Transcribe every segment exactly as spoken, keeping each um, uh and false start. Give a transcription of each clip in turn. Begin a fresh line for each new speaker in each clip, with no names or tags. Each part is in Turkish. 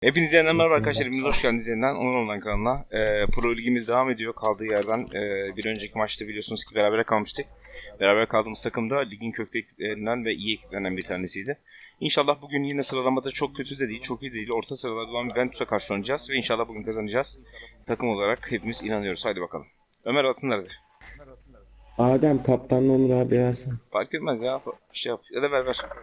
Hepinize yeniden merhaba arkadaşlar. Hepiniz hoş geldiniz yeniden Onur Online kanalına. Ee, Pro Ligimiz devam ediyor kaldığı yerden. Ee, bir önceki maçta biliyorsunuz ki beraber kalmıştık. Beraber kaldığımız takım da ligin köklü ekiplerinden ve iyi ekiplerinden bir tanesiydi. İnşallah bugün yine sıralamada çok kötü de değil, çok iyi değil. Orta sıralarda olan Juventus'a karşı oynayacağız ve inşallah bugün kazanacağız. Takım olarak hepimiz inanıyoruz. Hadi bakalım. Ömer atsınlar hadi.
Adem kaptanla Onur abi versin.
Fark etmez ya. Bir şey yap. Ya da ver ver.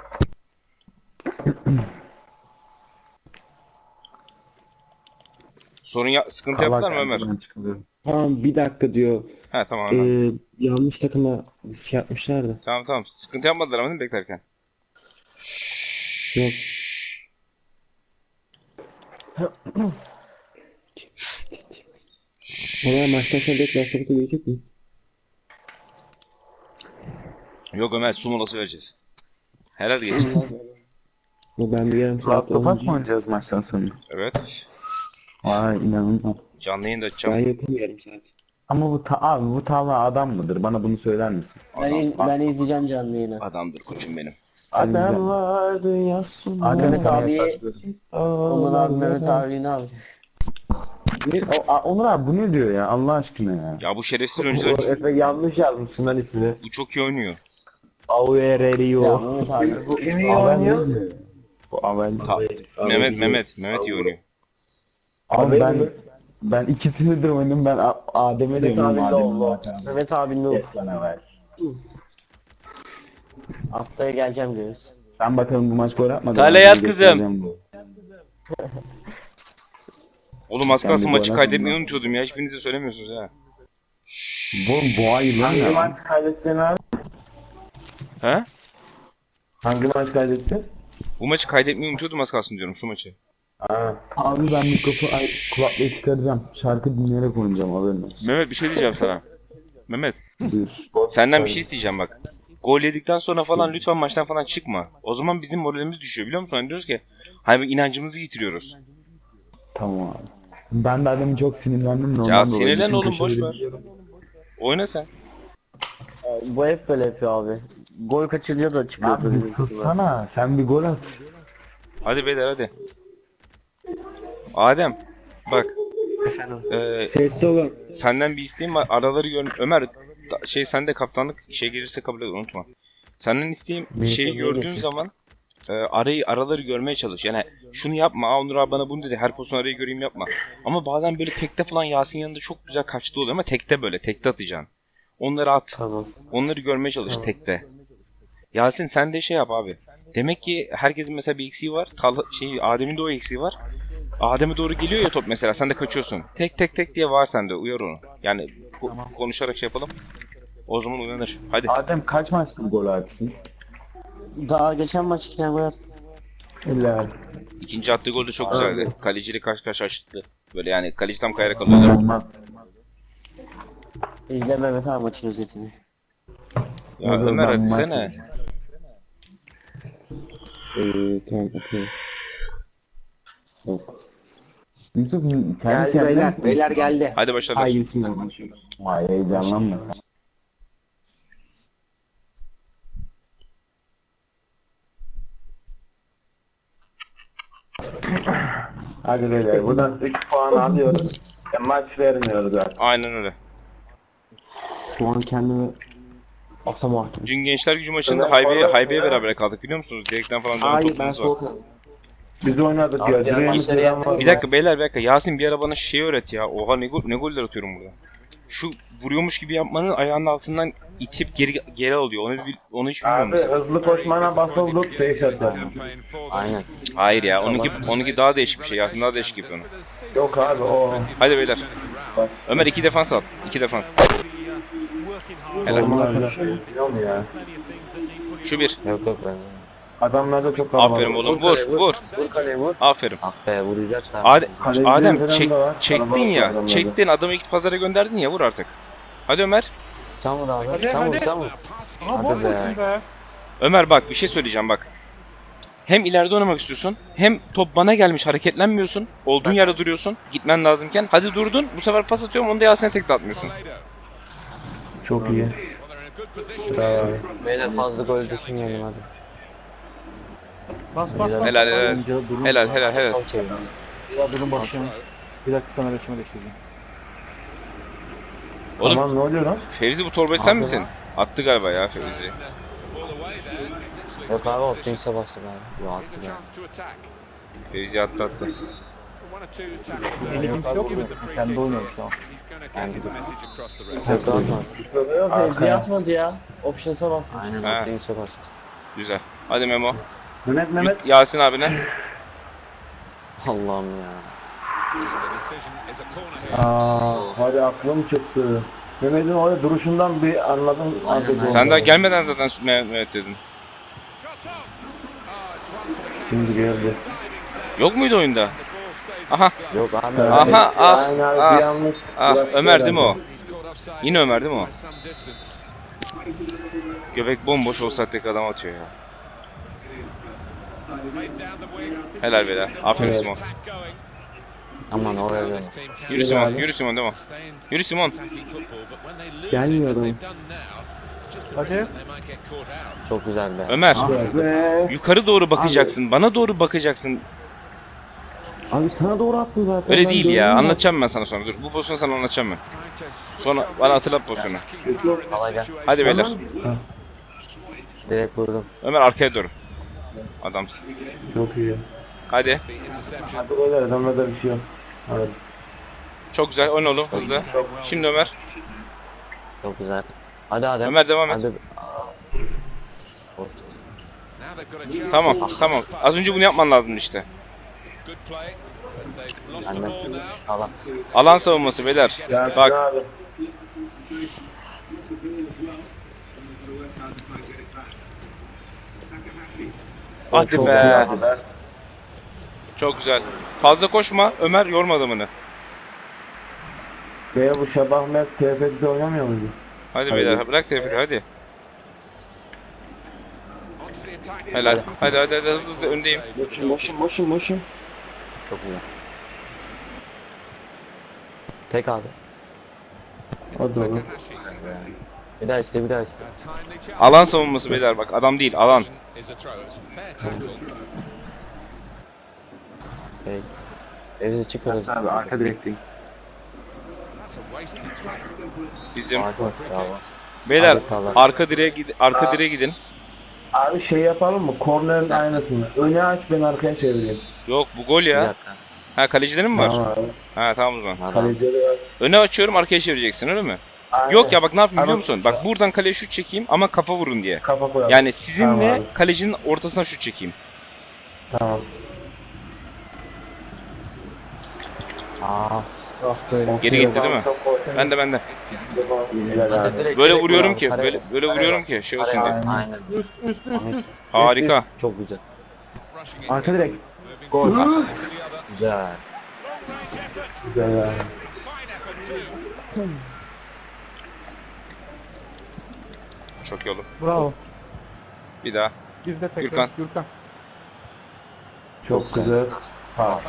Sorun ya, sıkıntı yaptılar mı Ömer?
Tamam bir dakika diyor.
He tamam hemen.
Ee, yanlış takıma şey yapmışlar da.
Tamam tamam. Sıkıntı yapmadılar ama değil mi beklerken?
Yok. Ona maçtan sonra bekler sohbeti gelecek mi?
Yok Ömer su molası vereceğiz. Helal geçeceğiz.
Bu ben bir yarım saat
Last of Us mı
olunca
oynayacağız maçtan sonra?
Evet.
Vay inanılmaz.
Canlı yayında
ben
açacağım.
yapamıyorum saat.
Ama bu ta abi bu tavla adam mıdır? Bana bunu söyler misin?
Ben, iz, ben izleyeceğim canlı yayını.
Adamdır koçum benim.
Adam vardı yazsın.
Mehmet abi, Onur abi, Mehmet abi ne abi?
O, a- Onur abi bu ne diyor ya Allah aşkına ya?
Ya bu şerefsiz oyuncular
Efe yanlış yazmışsın lan ismini.
bu çok iyi oynuyor.
Ya
Aurelio.
Mehmet abi.
Bu Avel ne diyor? Bu Avel.
Ta- Mehmet Mehmet Mehmet iyi oynuyor.
Abi ben ben ikisini de oynadım ben A- Adem'e
Mehmet
diyorum
abi ne oldu?
Adem'e.
Mehmet abi ne oldu?
Lan Avel.
Haftaya geleceğim diyoruz.
Sen bakalım bu maç gol atmadın.
Tale
Ben
yat
seni
kızım.
göstereceğim bu.
Oğlum az
Sen
kalsın
bir
maçı
gol
kaydetmeyi
atmadın.
unutuyordum ya. Hiçbiriniz de söylemiyorsunuz ha.
Bu bu ay lan ya. Maç kaydettin abi?
He?
Hangi maç kaydettin?
Bu maçı kaydetmeyi unutuyordum az kalsın diyorum şu maçı.
Abi ben mikrofonu ay kulaklığı çıkaracağım. Şarkı dinleyerek oynayacağım haberin olsun.
Mehmet bir şey diyeceğim sana. Mehmet
Buyur.
senden bir şey isteyeceğim bak. Gol yedikten sonra falan lütfen maçtan falan çıkma. O zaman bizim moralimiz düşüyor biliyor musun? Hani diyoruz ki hani inancımızı yitiriyoruz.
Tamam abi. Ben de adamı çok sinirlendim de ondan
Ya
dolayı
sinirlen
bütün
oğlum boş
köşeleri
ver.
biliyorum.
Oyna sen.
Bu hep böyle yapıyor abi. Gol kaçırıyor da çıkıyor.
Abi bir sussana sen bir gol at.
Hadi beyler hadi. Adem bak. Eee
Sessiz olun.
senden bir isteğim var. Araları gör. Ömer da- şey sende kaptanlık şey gelirse kabul et unutma. Senden isteğim bir
Bir
şeyi
şey
gördüğün
gelir.
zaman e, arayı araları görmeye çalış. Yani şunu yapma. Aa Onur abi bana bunu dedi. Her pozisyon arayı göreyim yapma. Ama bazen böyle tekte falan Yasin yanında çok güzel kaçtı oluyor ama tekte böyle tekte atacaksın. Onları at.
Tamam.
Onları görmeye çalış tekte. Yasin sen de şey yap abi. Demek ki herkesin mesela bir eksiği var. Talha, şey Adem'in de o eksiği var. Adem'e doğru geliyor ya top mesela sen de kaçıyorsun. Tek tek tek diye var sende uyar onu. Yani ko- konuşarak şey yapalım. O zaman uyanır. Hadi.
Adem kaç maçtır gol atsın?
Daha geçen maç iki tane gol attı.
Helal.
İkinci attığı gol de çok güzeldi. Kaleciyle karşı karşı açtı. Böyle yani kaleci tam kayarak alıyorlar.
Olmaz.
İzle Mehmet abi maçın özetini.
Ya
Olur,
Ömer
ben
hadi
maç-
sene.
Ee, tamam okey. Yok.
Yusuf kendi
Geldi
kendine
beyler.
mi-
Beyler geldi.
Hadi başarılar.
Haydi bismillah başlıyoruz.
Vay heyecanlanma sen.
Hadi beyler buradan üç puan alıyoruz. E, maç vermiyoruz artık.
Aynen öyle.
Şu an kendimi asamaktım.
Dün Gençler Gücü maçında Haybe'ye Haybe'ye beraber kaldık biliyor musunuz? Direkten falan dönen
Hayır ben
topumuz var.
soğuk aldım.
Biz oynadık
Abi,
ya.
diğer
Direğimiz
maçları
falan
yaptık.
var.
Bir dakika beyler bir dakika. Yasin bir ara bana şey öğret ya. Oha ne, gol, ne goller atıyorum burada. Şu vuruyormuş gibi yapmanın ayağının altından itip geri geri alıyor. Onu bil- onu hiç bilmiyorum.
Abi
mesela.
hızlı koşmana basıldık safe shot yaptık.
Aynen.
Hayır ya. Onunki onunki daha değişik bir şey. Yasin daha değişik yapıyor onu.
Yok abi o.
Hadi beyler. Ömer iki defans al. İki defans. Helal.
Onlar biliyor mu ya?
Şu bir.
Yok yok ben.
Adamlarda çok kalabalık.
Aferin oğlum. Vur vur.
Vur kaleye vur.
Aferin.
Ah be vuracak da.
Adem,
Kaleciler
Adem
falan
çek,
da var.
çektin
Kalabalık
ya.
adamlarda.
Çektin adamı ilk pazara gönderdin ya vur artık. Hadi Ömer.
Sen vur abi. Sen vur sen vur. Hadi be.
Ömer bak bir şey söyleyeceğim bak. Hem ileride oynamak istiyorsun hem top bana gelmiş hareketlenmiyorsun. Olduğun yerde duruyorsun. Gitmen lazımken. Hadi durdun. Bu sefer pas atıyorum onu da Yasin'e tek de atmıyorsun.
Çok iyi. Bravo.
Beyler fazla gol düşünmeyelim hadi.
Helal helal. Helal helal helal.
Top çevirin.
Ya durun bakayım. Bir dakika kamera açımı değiştireceğim.
Oğlum
Aman ne oluyor lan?
Fevzi bu torbayı sen misin? Attı galiba ya Fevzi.
Yok abi Optimus'a bastı galiba. Yok attı ya.
Fevzi attı attı.
Elim yok mu? Kendi oynuyorum şu an.
Yok atma.
Yok
Fevzi atmadı ya. Options'a basmış. Aynen
Ha.
Optimus'a bastı.
Güzel. Hadi Memo.
Mehmet Mehmet.
Yasin abine.
Allah'ım ya.
Aa, hadi aklım çıktı. Mehmet'in orada duruşundan bir anladım.
Aynen,
artık
aynen.
Sen
onu.
daha gelmeden zaten Mehmet dedin.
Şimdi geldi.
Yok muydu oyunda? Aha.
Yok abi.
Aha, ah,
Aynen abi
ah,
bir yanlış.
Ah
bıraktı
Ömer değil mi o?
herhalde.
Yine Ömer değil mi o? Göbek bomboş o saatteki adam atıyor ya. Helal beyler. Aferin
Evet.
Simon.
Aman oraya dön.
Yürü Simon. Yürü Simon değil mi? Yürü Simon.
Gelmiyor adam.
Hadi.
Çok güzel be.
Ömer.
Ve
Yukarı doğru bakacaksın. Bana doğru bakacaksın.
Abi sana doğru attım zaten.
Öyle
ben
değil
gördüm
ya.
de.
Anlatacağım ben sana sonra. Dur. Bu pozisyonu sana anlatacağım ben. Sonra bana hatırlat pozisyonu.
Al gel.
Hadi beyler.
Direkt vurdum.
Ömer arkaya doğru. Adamsın.
çok iyi.
Hadi.
Hadi beyler adamlarda bir şey yok. Evet.
Çok güzel. Oyna oğlum hızlı. Şimdi Ömer.
Çok güzel. Hadi Adem.
Ömer devam et.
Hadi.
Tamam. Tamam. Az önce bunu yapman lazım işte.
Annem. Sağlam.
Alan savunması beyler.
Yasin
Bak.
abi.
Hadi
Çok iyi
be.
yaptılar.
Çok güzel. Fazla koşma. Ömer yorma adamını.
Veya bu Şabah Mert T F T'de oynamıyor muydu?
Hadi beyler. Bırak tepki hadi. Helal. Hadi hadi hadi hızlı hızlı öndeyim.
Motion motion motion motion.
Çok güzel. Tek abi.
Hadi oğlum.
Bir daha iste bir daha iste.
Alan savunması beyler bak. Adam değil alan.
Hey. Evde çıkarız.
Abi arka direkteyim.
Bizim.
Bravo.
Beyler
Abi, tamam.
arka direğe gidin. Arka direğe gidin.
Abi şey yapalım mı? Kornerin aynısını. Öne aç ben arkaya çevireyim.
Yok bu gol
Bir
ya.
dakika.
Ha kalecilerin mi var?
Tamam abi.
Ha tamam o zaman.
Adam.
Kalecileri var.
Öne açıyorum arkaya çevireceksin öyle mi?
Aynen.
Yok ya bak ne yapayım biliyor
Ama-
musun? Bak buradan kaleye şut çekeyim ama kafa vurun diye.
Kafa koyalım.
Yani sizinle
Tamam abi.
kalecinin ortasına şut çekeyim.
Tamam.
Aa.
Geri gitti değil mi? Ben de ben de.
Güzel abi.
Direkt,
Böyle
direkt
vuruyorum
vur
ki
abi,
böyle
kareye
böyle
bas.
vuruyorum ki şey olsun
Kareye
diye.
bas, Aynen.
Harika.
Çok güzel.
Arka direkt.
Gol.
Güzel.
Güzel abi.
Çok iyi oğlum.
Bravo.
Bir daha.
Bizde tekrar.
Gürkan.
Gürkan.
Çok güzel. Ha.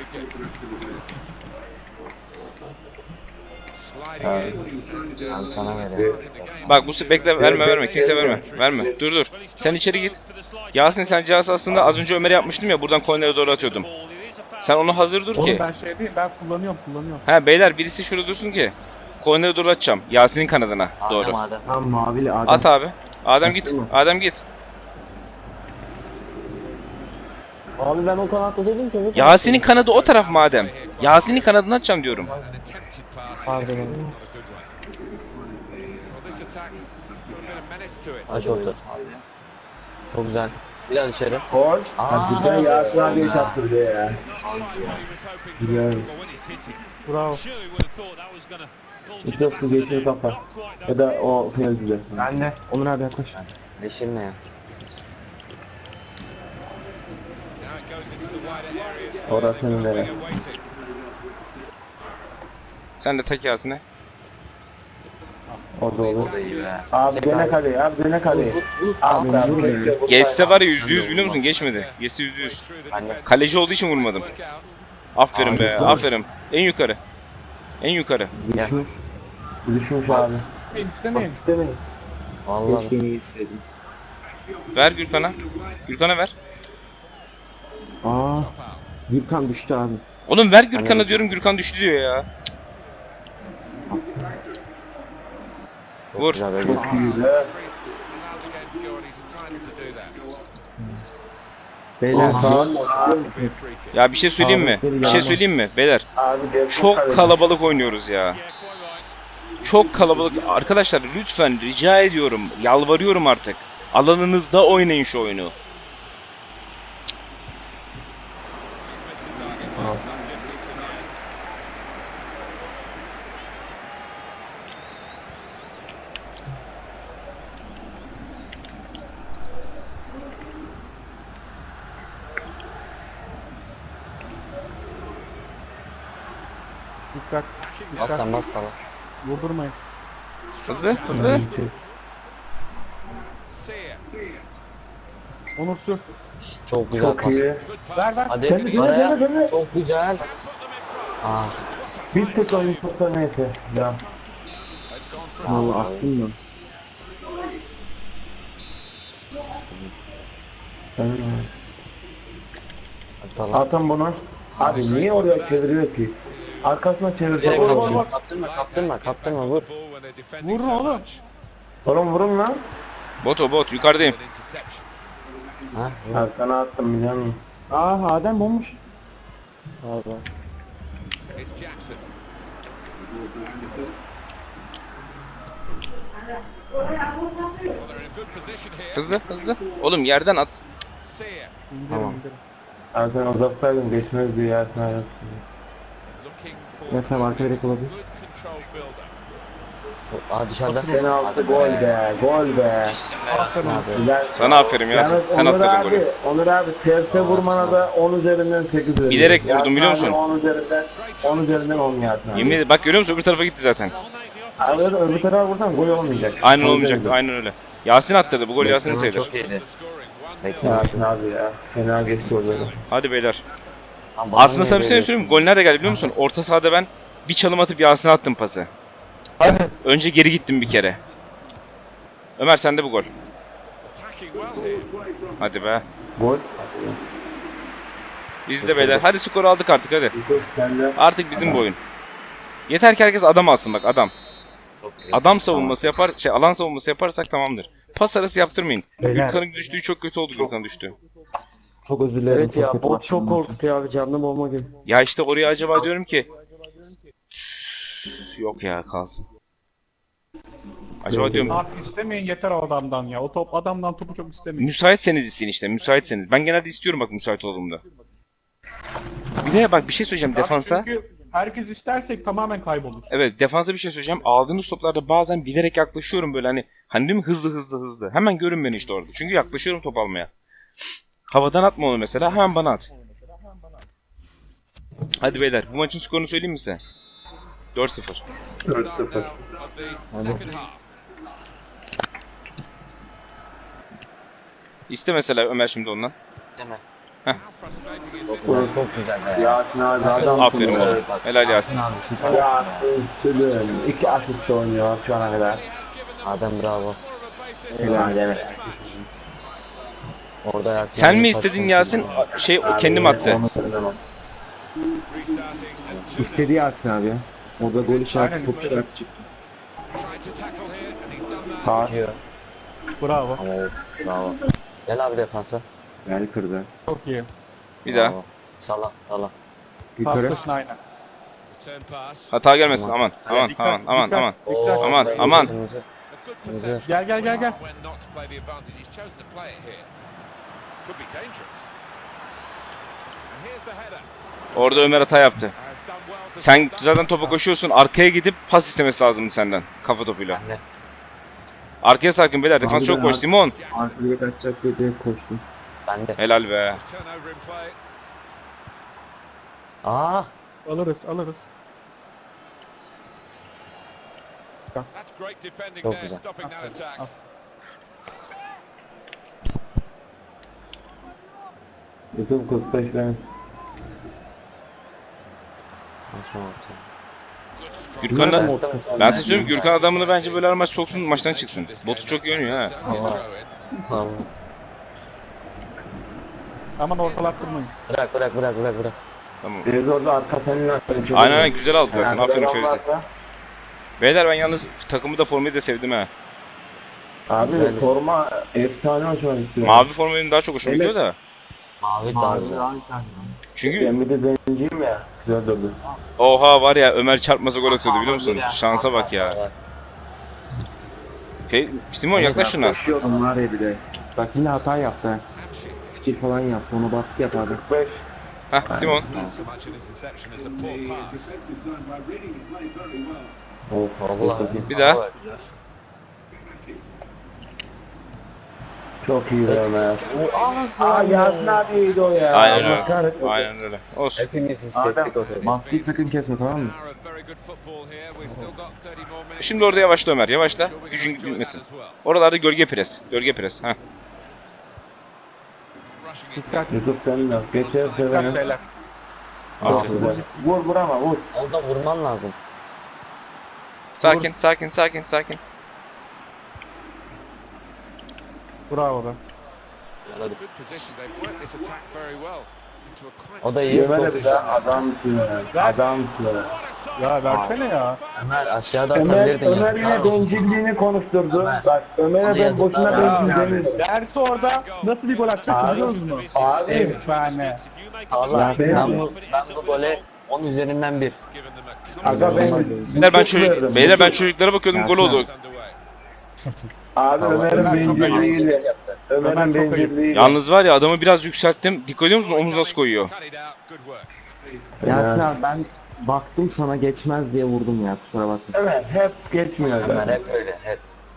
Abi sana veriyorum.
Bak bu se- bekle verme verme kimse verme. Verme. Dur dur. Sen içeri git. Yasin sen cihaz aslında az önce Ömer'e yapmıştım ya buradan kornere doğru atıyordum. Sen onu hazır dur
Oğlum
ki.
ben şey değil, ben kullanıyorum, kullanıyorum.
Ha beyler birisi şurada dursun ki. Kornere doğru atacağım. Yasin'in kanadına
Adem
doğru.
Adem.
Tam mavili Adem.
At abi. Adem git. Adem git.
Abi ben o kanatta dedim ki.
Yasin'in kanadı o taraf madem. Yasin'in kanadını atacağım diyorum.
Pardon. Aç orta. Çok güzel. Bir daha dışarı.
Gol.
Aa.
Ha, güzel Yasin abiye çaktırdı ya. Güzel.
Bravo.
İstiyorsun geçini kapa. Ya da o Fevzi'de.
Ben de. Onur abi yaklaş.
Yeşil ne ya?
Orası senin de.
Sen de tak Yasin'e.
O da olur.
O da iyi be.
Abi döne kaleye, abi döne kaleye. Abi abi bekle. vurma.
Geçse var ya yüzde yüz biliyor musun? Geçmedi. Geçse yüzde yüz. Kaleci olduğu için vurmadım. Aferin be, aferin. En yukarı. En yukarı.
Düşmüş.
Düşmüş abi.
İstemeyin.
İstemeyin.
Vallahi.
Keşke iyi hissediniz.
Ver Gürkan'a. Gürkan'a ver.
Aa. Gürkan düştü abi.
Oğlum ver Gürkan'a diyorum, Gürkan düştü diyor ya.
Çok
Vur.
güzel be.
Çok iyi be.
Beyler
Aha.
sağ olun.
Ya bir şey söyleyeyim mi? Bir şey söyleyeyim mi beyler?
Abi geçmiş
Çok
kaleci.
kalabalık oynuyoruz ya. Çok kalabalık. Arkadaşlar lütfen rica ediyorum, yalvarıyorum artık. Alanınızda oynayın şu oyunu.
Dikkat.
Bas
Dikkat.
sen bas tamam.
Vurdurmayın.
Hızlı hızlı.
Onur sür.
Çok güzel
Çok
pas.
iyi.
Ver ver.
Hadi
Sen de, sen de,
araya.
sen de, sen de.
Çok güzel. Ah.
Bir tek oyun tutsa neyse. Ya.
Valla aklım yok.
Tamam.
Tamam.
Zaten bunu. Abi niye oraya çeviriyor ki? Arkasına çevirecek
Direkt
olur
vur,
mu?
vur. Kaptırma kaptırma kaptırma vur.
Vurun oğlum.
Oğlum vurun lan.
Bot o bot, yukarıdayım.
Ha vur.
Abi sana attım biliyor musun?
Aa Adem bomboş.
Abi.
Hızlı hızlı. Oğlum yerden at.
İndirin
Tamam.
indirin.
Abi sen uzaktaydın geçmez diye Yasin abi.
Yasin abi arka direkt olabilir.
Aa dışarıda.
Penaltı
Hadi
gol be, gol be.
Yasin abi.
Güzel.
Sana aferin ya.
Yalnız
Sen
Onur
attırdın
abi,
golü.
Onur abi terse vurmana da on üzerinden sekiz veriyor.
Bilerek vurdum,
Yasin
biliyor
abi
musun?
on üzerinden on üzerinden on Yasin abi.
Yemin ederim bak, görüyor musun, öbür tarafa gitti zaten.
Abi öyle öbür tarafa vursan gol olmayacak.
Aynen
O
olmayacaktı,
yüzden-
aynen öyle. Yasin attırdı, bu gol Yasin'in
Bekleme
sayılır.
çok iyiydi. Bekle.
Yasin abi ya. Fena geçti orada.
Hadi beyler.
Lan bana
Aslında
niye
sana bir şey
veriyorsun?
söyleyeyim mi? Gol nerede geldi biliyor musun? Orta sahada ben bir çalım atıp Yasin'e attım pası. Önce geri gittim bir kere. Ömer sende bu gol. Hadi be.
Gol.
Biz de beyler. Hadi skoru aldık artık hadi.
Yusuf sen de.
Artık bizim bu oyun. Yeter ki herkes adam alsın bak, adam.
Çok güzel.
Adam savunması yapar, şey alan savunması yaparsak tamamdır. Pas arası yaptırmayın.
Beyler.
Gürkan'ın düştüğü çok kötü oldu, Gürkan düştü.
Çok özür dilerim.
Evet
çok
ya
kötü
bot
başladım
çok
maça.
korktu abi canlı bomba gibi.
Ya işte oraya acaba diyorum ki... Yok ya, kalsın. Acaba diyorum,
Artık istemeyin yeter o adamdan ya. O top adamdan topu çok istemeyin.
müsaitseniz isteyin işte, müsaitseniz. Ben genelde istiyorum bak, müsait olduğumda. Bir de bak bir şey söyleyeceğim
Abi
defansa.
Çünkü herkes istersek tamamen kaybolur.
Evet, defansa bir şey söyleyeceğim. Aldığınız toplarda bazen bilerek yaklaşıyorum böyle, hani hani değil mi, hızlı hızlı hızlı. Hemen görün beni işte orada. Çünkü yaklaşıyorum top almaya. Havadan atma onu mesela, hemen bana at. Hadi beyler, bu maçın skorunu söyleyeyim mi size? dört sıfır.
dört sıfır.
İste mesela Ömer şimdi ondan.
Değil mi?
Heh.
Çok güzel, çok güzel be.
Yasin abi adamsın.
Aferin
be.
oğlum. Helal Yasin.
Abi süper.
Yasin Sülün. İki asist oynuyor şu ana kadar.
Adem bravo.
Helal evet.
Orada Yasin.
Sen
abi
mi
pas
istedin
konusunda-
Yasin? Şey o kendim attı.
Onu söylemem.
İstedi Yasin abi ya. Orada gol işareti
Aynen,
top
istedi.
işareti çıktı.
Sağ.
Diyor.
Bravo.
Ama o- bravo. Gel abi defansa.
Yani kırdı.
Çok iyi.
Bir daha.
Bravo. Salla salla.
Yukarı.
Paslaşın aynen.
Hata gelmesin, aman aman
Dikkat,
aman aman
dikkat.
aman.
Oo,
Aman,
kırmızı,
aman.
kırmızı. Kırmızı.
Gel gel gel gel.
Orada Ömer hata yaptı. Sen zaten topa koşuyorsun, arkaya gidip pas istemesi lazımdı senden. Kafa topuyla.
Ne?
Arkaya sarkın beyler, defans
Abi
çok
ben
boş.
ar-
Simon.
Arkaya kaçacak diye direkt koştum.
Ben de.
Helal be.
Aa.
Alırız alırız.
Çok güzel.
Yusuf kırk beş benim.
Nasıl orta?
Gürkan'la...
Evet,
Ben size söyleyeyim, Gürkan adamını bence böyle her maç soksun, maçtan çıksın. Botu çok iyi oynuyor ha.
Tamam.
Aman ortalattırmayın.
Bırak bırak bırak bırak bırak.
Tamam.
Biz orada arka seninle
Aynen aynen güzel aldı zaten.
Yani
Aferin
böyle
Ferit.
olmazsa-
Beyler ben yalnız takımı da formayı da sevdim ha.
Abi
Güzel.
forma efsane hoşuma gitti.
Mavi forma benim daha çok hoşuma
Evet.
gidiyor da.
Mavi daha güzel.
Çünkü
Ben bir de zenciyim ya. Güzel durdu.
oha var ya Ömer çarpmasa gol atıyordu biliyor musun? Şansa bak ya. Fe Simon yaklaş şuna.
Koşuyordum var ya bir de. Bak yine hata yaptı ha. Skill falan yaptı. Ona baskı yap abi.
kırk beş.
Hah Simon.
Not so much an interception as a poor pass.
Of.
Vallahi.
Bir daha.
Çok iyi be Ömer. Aa Yasin abiydi o ya.
Aynen
Allah
öyle.
kahretmesin.
Aynen öyle. Olsun.
Hepimiz
Adem,
hissettik o tabii.
Maskeyi sakın kesme tamam mı?
Hour of very good football here. We've still got thirty more minutes.
Şimdi orada yavaşla Ömer. Yavaşla.
Sure we can
Gücün
enjoy that
gitmesin.
as well.
Oralarda gölge pres. Gölge pres. Heh.
Rushing it.
Dikkat.
Yusuf sen de. Geçer
Dikkat
sevene.
beyler.
Çok
Aferin.
güzel. Vur vur ama vur.
Orada vurman lazım.
Sakin sakin sakin sakin.
Bravo be.
Good position. They've worked this attack very well. Into a quite
O da iyi.
Ömer'e bir daha adamsın ya. Adamsın ya.
Ya versene ya.
Ömer aşağıda
Ömer,
atabilirdin
Ömer
yazıklar
yine
olsun.
bencilliğini konuşturdu.
Ömer.
Bak Ömer'e
Sana
ben
yazıklar
boşuna
olsun.
bencil demiyorum.
Dersi orada nasıl bir gol atacak biliyor musun?
Abi.
Efsane.
Allah
Ya ben-
ben bu, ben bu gole on üzerinden bir.
given them a
Aga ben
Beyler ben
çok
çocuk
verdim.
beyler ben çocuklara bakıyordum gol oldu.
underway.
Abi Ömer'in
Ömer çok
bencilliğiyle.
Ömer
Ömer'in
çok ayıp.
bencilliğiyle.
Yalnız var ya adamı biraz yükselttim. Dikkat ediyor musun? Omuz nasıl koyuyor?
Cut it out. Good work.
Yasin abi ben baktım sana geçmez diye vurdum ya kusura bakma.
Ömer hep geçmiyor.
Ömer
be.
hep öyle hep.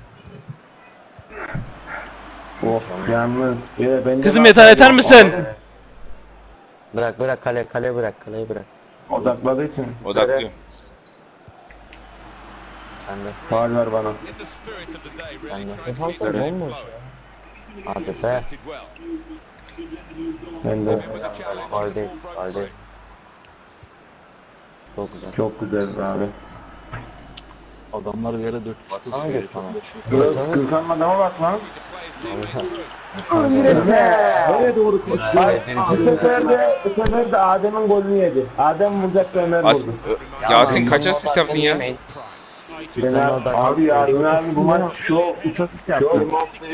Of yalnız. Ya ben de
Kızım
bak-
yeter yeter misin?
Bırak bırak kale kale bırak kaleyi bırak.
Odakladığı için.
Odaklı.
Sen de.
Faul ver bana.
In the spirit of the day,
Ben
really
de.
trying to
Defans
keep the game
olmuş
flowing.
Hadi be.
Intercepted well.
Ben de.
With a challenge,
Faul
it's
değil.
all broke
Faul
free.
değil. Çok güzel.
Çok güzel abi.
Adamlar bir yere dört.
Baksana Gökhan'a.
Biraz Gürkan'ın adama bak lan.
The players leading through.
Nereye doğru koştu? Bu sefer de, bu sefer de Adem'in golünü yedi. Adem vuracaktı Ömer
As
vurdu.
Ö- Yasin kaç asist yaptın ya?
Prime.
Ben abi, abi ya Ömer abi bu maç şu
üç asist
şu
yaptı.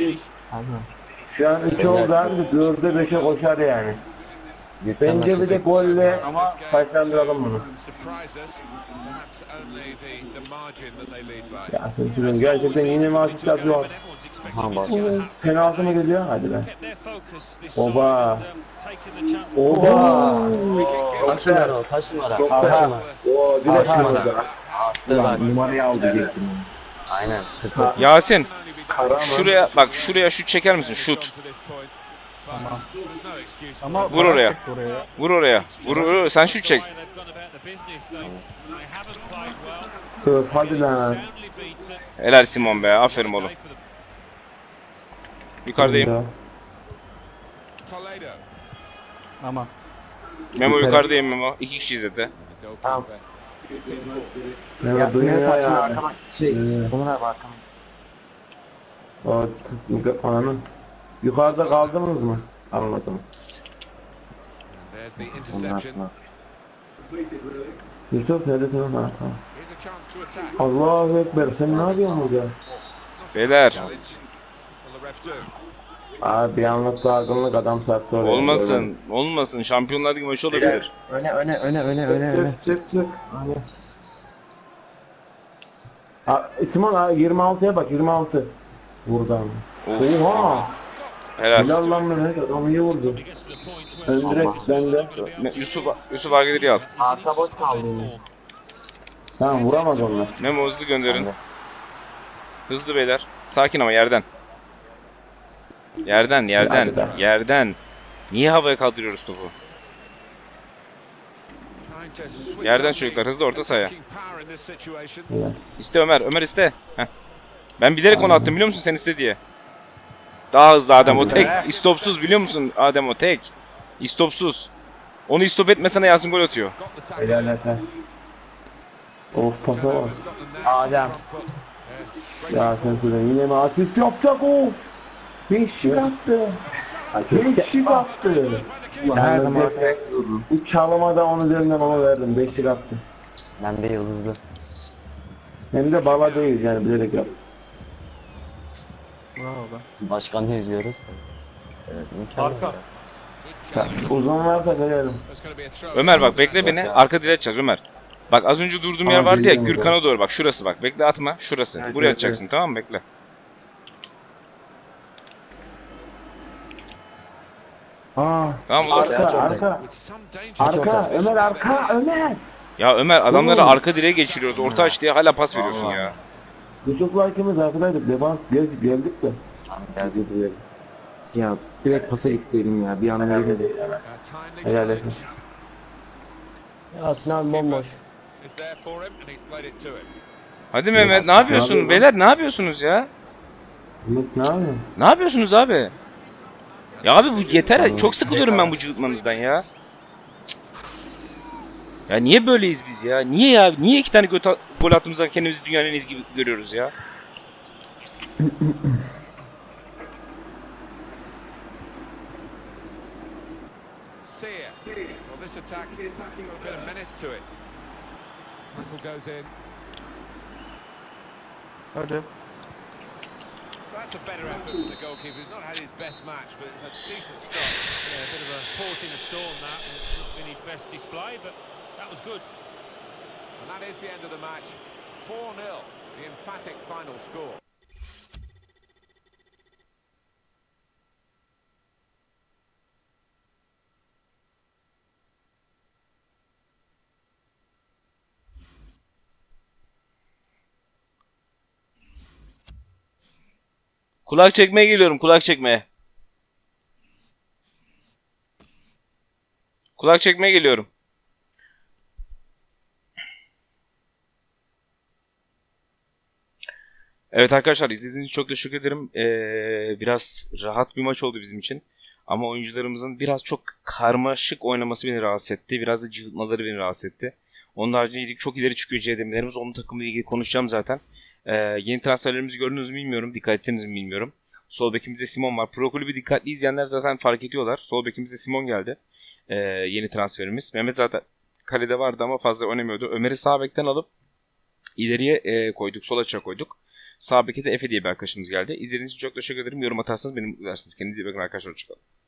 şu an üç oldu abi dörde beşe koşar yani. Bence bir de golle ama taşlandıralım bunu.
Surprise us. Perhaps only the, the margin that they lead by.
Ya sen şunun gerçekten yine mi asist atıyor?
Ha bak.
Penaltı mı geliyor? Hadi be. Oba. Oba.
Kaç numara o? Kaç numara?
Çok
Kaç
güzel.
numara?
Oo direkt
Kaç numara?
şurada.
Attı bak.
Numarayı al diyecektim.
Aynen.
Ha,
Yasin
Kara mı?
şuraya bak şuraya şut çeker misin? Şut.
Ama
Vur oraya.
çekti oraya.
Vur oraya. Vur, vur. Sen şut çek.
Dur, hadi lan.
Helal Simon be. Aferin oğlum. Yukarıdayım.
Toledo.
Ama
Memo yukarıdayım Memo. İki kişi izledi.
Tamam.
Ne
Ya
duyuyor
ne
ya.
taçın arkama şey.
Hmm.
Bunlar bak arkama.
O t- ananı. Yukarıda kaldınız mı? Anladım.
There's the
Bunlar
interception.
bunlar.
Yusuf neredesin? Ha tamam.
Here's a chance to attack.
Allahu Ekber sen ne yapıyorsun burada?
Beyler.
Challenge. Will the ref do?
Abi bir anlık dargınlık adam sattı oraya.
Olmasın. Olmasın. Şampiyonlar Ligi maçı olabilir.
Öne öne öne öne öne
Çık
öne.
çık çık çık. Ha, Simon ha, yirmi altıya bak yirmi altı. Buradan.
Of.
Oha!
Helal.
Helal lan Mehmet adam iyi vurdu. Ön direkt bende.
Me- Yusuf Yusuf Agdiri al.
Arka boş kaldı yine.
Tamam vuramaz onlar.
Memo hızlı gönderin.
Bende.
Hızlı beyler. Sakin ama yerden. Yerden, yerden,
Hadi be.
yerden. Niye havaya kaldırıyoruz topu?
Trying to switch
Yerden
on
çocuklar,
the
hızlı orta sahaya.
attacking power in this situation.
Helal.
İste Ömer, Ömer iste. Heh. Ben bilerek onu attım biliyor musun sen iste diye. Daha hızlı Adem o tek. İstopsuz biliyor musun Adem o tek. İstopsuz. Onu istop etmesene Yasin gol atıyor.
Got the tackle.
Helal Efe. Of pasa bak.
Has got the nail on the
Adem.
front foot.
Ya sen söyle yine mi asist yapacak of. Beşik attı. Beşik attı.
Her zaman
Bu çalıma da onu üzerinden ona verdim. Beşlik attı.
Ben de yıldızlı.
Hem de bala değil yani bilerek yaptım.
Bravo be.
Başkanı izliyoruz. Evet, mükemmel.
Arka.
Ya, uzun varsa verelim.
That's going to be a throw.
Ömer bak bekle beni. Arka direğe atacağız Ömer. Bak az önce durduğum yer
Aa,
vardı ya,
geliyorum
Gürkan'a doğru bak, şurası bak. Bekle atma, şurası.
Evet,
Buraya
evet,
atacaksın, tamam mı? Bekle.
Aa,
Tamam mı?
arka arka.
With some danger.
Arka Ömer arka Ömer.
Ya Ömer, adamları
Oğlum.
arka direğe geçiriyoruz. Orta aç diye hala pas veriyorsun ya.
Yusuf'la ikimiz arkadaydık. Defans gez geldik de.
geldi buraya. Ya direkt pasa gittiydim ya. Bir an öyle dedi.
A timely
Helal
challenge
etsin.
Ya Sinan bomboş.
is there for him, and he's played it to him.
Hadi Mehmet, ne yapıyorsun?
yapıyorsun?
Beyler ne yapıyorsunuz ya?
Ümit ne yapıyorsun?
Ne yapıyorsunuz abi? Ya abi bu yeter. Çok sıkılıyorum ben bu cıvıtmanızdan ya. Ya niye böyleyiz biz ya? Niye ya? Niye iki tane göt gol attığımızda kendimizi dünyanın en iyisi gibi görüyoruz ya?
Sear. Well, this attack, a bit of menace to it. Tackle goes in.
Hadi.
That's a better effort from the goalkeeper. He's not had his best match, but it's a decent start.
Yeah, a bit of a port in a storm that, and it's not been his best display, but that was good.
And that is the end of the match. four nil, the emphatic final score.
Kulak çekmeye geliyorum, kulak çekmeye. Kulak çekmeye geliyorum. Evet arkadaşlar, izlediğiniz için çok teşekkür ederim. Ee, biraz rahat bir maç oldu bizim için. Ama oyuncularımızın biraz çok karmaşık oynaması beni rahatsız etti. Biraz da cıvıtmaları beni rahatsız etti. Onun haricinde çok ileri çıkıyor C D M'lerimiz. Onun takımıyla ilgili konuşacağım zaten. Ee, yeni transferlerimizi gördünüz mü bilmiyorum. Dikkat ettiniz mi bilmiyorum. Sol bekimizde Simon var. Pro Kulübü dikkatli izleyenler zaten fark ediyorlar. Sol bekimizde Simon geldi. Ee, yeni transferimiz. Mehmet zaten kalede vardı ama fazla oynamıyordu. Ömer'i sağ bekten alıp ileriye e, koyduk. Sol açığa koyduk. Sağ beke de Efe diye bir arkadaşımız geldi. İzlediğiniz için çok teşekkür ederim. Yorum atarsanız beni mutlu edersiniz. Kendinize iyi bakın arkadaşlar. Hoşçakalın.